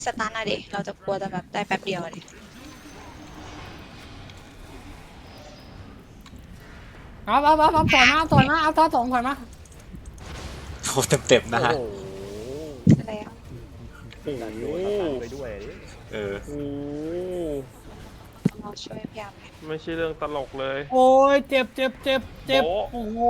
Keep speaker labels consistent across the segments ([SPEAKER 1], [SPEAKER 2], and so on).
[SPEAKER 1] สตาร์ทอะดิเราจะกลัวแต่แบบได้แป๊บเดียวอะดิ
[SPEAKER 2] เอาถอยมาเอาท่าสองถอยมา
[SPEAKER 3] โอ้เต็มๆนะฮะ
[SPEAKER 4] โอ้โห
[SPEAKER 1] แล้ว
[SPEAKER 4] ดันโดนตัดไปด้วยดิ
[SPEAKER 3] เออ
[SPEAKER 4] โอ้
[SPEAKER 1] เราช่วยพยายามไหม
[SPEAKER 5] ไม่ใช่เรื่องตลกเลย
[SPEAKER 2] โอ้ยเจ็บโอ้โห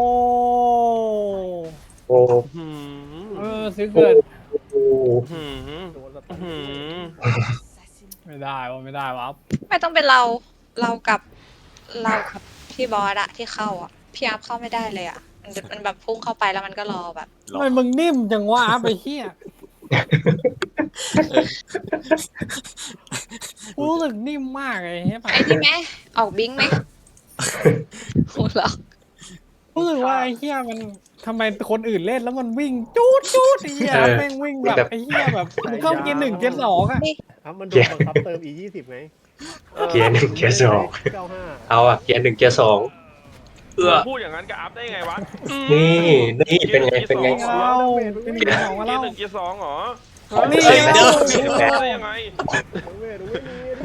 [SPEAKER 6] โอ้
[SPEAKER 5] หืม
[SPEAKER 2] ซื้อเกิด
[SPEAKER 6] โอ้
[SPEAKER 5] หืม
[SPEAKER 4] โดนสตัน
[SPEAKER 5] หืม
[SPEAKER 2] ไม่ได้วะ
[SPEAKER 1] ไม่ต้องเป็นเรากับพี่บอสอะที่เข้าอะพี่อัพเข้าไม่ได้เลยอะมันแบบพุ่งเข้าไปแล้วมันก็รอแบบ
[SPEAKER 2] ทำไมมึงนิ่มจังวะไปเฮียรู้สึกนิ่มมากเลยใช่ปะ
[SPEAKER 1] ไอ้นี่ไหมออกบิงไหมโหเหรอ
[SPEAKER 2] รู้สึกว่าไอ้เฮียมันทำไมคนอื่นเล่นแล้วมันวิ่งจูดไอ้เฮียแม่งวิ่งแบบไอ้เฮียแบบมึงเข้าเกียร์1เกียร์2อะ
[SPEAKER 4] มันโดนบังคับเติม E20 ไง
[SPEAKER 6] เกียร์หนึ่งเกียร์สอง
[SPEAKER 4] 95
[SPEAKER 6] เอาอะเกียร์หนึ่งเกียร์สองเอื้อ
[SPEAKER 5] พูดอย่างนั้นกับอัพได้ไงวะ
[SPEAKER 6] นี่เป็นไง
[SPEAKER 2] เอาเป็นเกียร์2มา
[SPEAKER 5] เกีย
[SPEAKER 2] แล้
[SPEAKER 5] ร์
[SPEAKER 2] ว
[SPEAKER 5] หนึ่งเกียร์สองเหรอ
[SPEAKER 2] นี่
[SPEAKER 3] เฮ้ย
[SPEAKER 2] ไง
[SPEAKER 3] เดี๋ยว
[SPEAKER 5] ได้ยังไง
[SPEAKER 4] เวทไม่มีดิ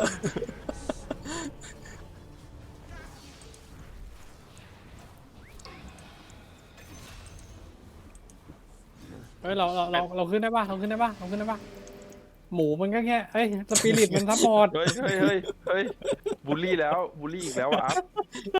[SPEAKER 2] เฮ้ยเราขึ้นได้ป่ะหมูมันก็แค่เฮ้ยสปิริตมันซัพพอร์ต
[SPEAKER 5] เฮ้ยบูลลี่แล้วบูลลี่อีกแล้วอะอัพ